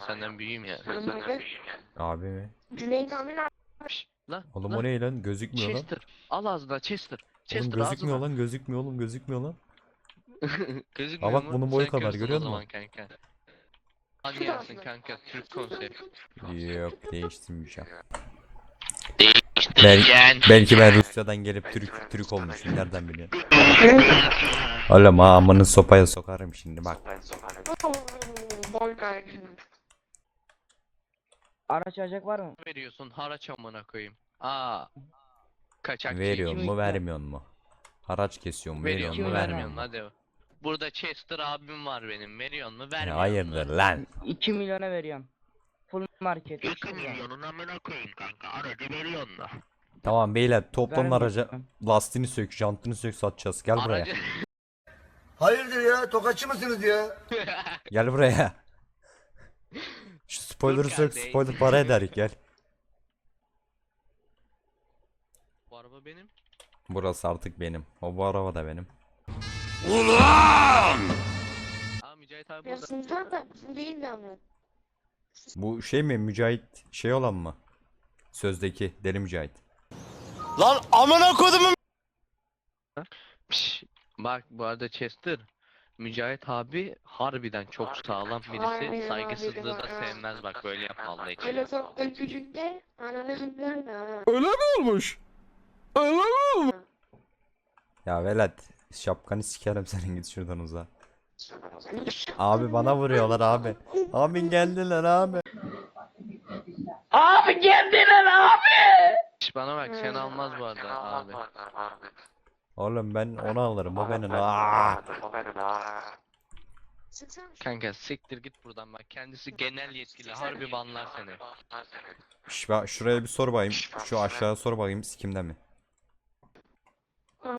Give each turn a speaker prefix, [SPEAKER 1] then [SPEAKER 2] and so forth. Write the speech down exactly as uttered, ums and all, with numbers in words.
[SPEAKER 1] senden büyüğüm ya.
[SPEAKER 2] Abi mi?
[SPEAKER 3] Cüneyt abi ne?
[SPEAKER 1] Şşş, lan
[SPEAKER 2] Oğlum
[SPEAKER 1] lan.
[SPEAKER 2] o ne lan? Gözükmüyor lan.
[SPEAKER 1] Chester. Al ağzına Chester.
[SPEAKER 2] Oğlum
[SPEAKER 1] Chester
[SPEAKER 2] gözükmüyor
[SPEAKER 1] ağzına.
[SPEAKER 2] lan, gözükmüyor oğlum, gözükmüyor lan.
[SPEAKER 1] Gözükmüyor
[SPEAKER 2] Aa bak
[SPEAKER 1] mu?
[SPEAKER 2] bunun boyu
[SPEAKER 1] Sen
[SPEAKER 2] kadar,
[SPEAKER 1] körsün
[SPEAKER 2] görüyor
[SPEAKER 1] o
[SPEAKER 2] musun?
[SPEAKER 1] zaman kanka. Hadi gelsin kanka Türk konsept.
[SPEAKER 2] Yok, değiştirmeyeceğim.
[SPEAKER 1] Değiştireceksin.
[SPEAKER 2] Belki ben Rusya'dan gelip Türk Türk olmuşum, nereden biliyorsun? Oğlum ha, amını sopaya sokarım şimdi bak.
[SPEAKER 3] Boy kardeşim.
[SPEAKER 4] Araç alacak var mı?
[SPEAKER 1] Veriyorsun haraç amına koyayım. Aa. Kaçakçı.
[SPEAKER 2] Veriyor
[SPEAKER 4] iki
[SPEAKER 2] mu,
[SPEAKER 4] milyon.
[SPEAKER 2] vermiyor mu? Haraç kesiyor mu, veriyor
[SPEAKER 1] Veriyor
[SPEAKER 2] mu,
[SPEAKER 1] mu
[SPEAKER 4] vermiyor
[SPEAKER 2] vermiyor
[SPEAKER 1] vermiyor
[SPEAKER 2] mu?
[SPEAKER 1] hadi. Burada Chester abim var benim. Veriyor mu
[SPEAKER 2] Ya
[SPEAKER 1] vermiyor
[SPEAKER 2] hayırdır
[SPEAKER 1] mu?
[SPEAKER 2] lan?
[SPEAKER 4] iki milyona veriyorum. Full market.
[SPEAKER 1] iki milyonun amına koyayım kanka. Aracı veriyor mu?
[SPEAKER 2] Tamam beyler, toplanın
[SPEAKER 4] Vermiyor.
[SPEAKER 2] araca, lastiğini sök, jantını sök, satacağız. Gel buraya.
[SPEAKER 1] Aracı...
[SPEAKER 5] Hayırdır ya? Tokatçı mısınız ya?
[SPEAKER 2] Gel buraya. Şu spoiler'ı
[SPEAKER 1] Dur
[SPEAKER 2] sök,
[SPEAKER 1] kardeş.
[SPEAKER 2] spoiler para eder, gel.
[SPEAKER 1] Bu araba benim.
[SPEAKER 2] Burası artık benim. O bu araba da benim.
[SPEAKER 1] Aa Mücahit abi
[SPEAKER 3] Ya
[SPEAKER 1] burada.
[SPEAKER 3] sizden de bizim değil mi ama?
[SPEAKER 2] Bu şey mi, Mücahit şey olan mı? Sözdeki Deli Mücahit.
[SPEAKER 5] Lan amına kodumun.
[SPEAKER 1] Pişt, bak bu arada Chester. Mücahit abi harbiden çok sağlam birisi.
[SPEAKER 3] Harbiden,
[SPEAKER 1] Saygısızlığı da
[SPEAKER 3] harbiden, ha.
[SPEAKER 1] sevmez bak böyle yapma Allah için.
[SPEAKER 3] Öyle çok da küçükte ananızın görme ha.
[SPEAKER 2] Öyle mi olmuş? Öyle mi? Ya velet, şapkanı sikerim senin, git şuradan uza. Abi bana vuruyorlar abi. Abi geldiler abi.
[SPEAKER 1] Şş, bana bak sen almaz bu arada abi.
[SPEAKER 2] Oğlum ben onu alırım, o benim. Aa!
[SPEAKER 3] Sıksana şu-
[SPEAKER 1] Kanka siktir git buradan bak kendisi genel yetkili harbi banlar seni.
[SPEAKER 2] Şş, bak şuraya bir sor bakayım. Şu aşağıya sor bakayım, sikimde mi?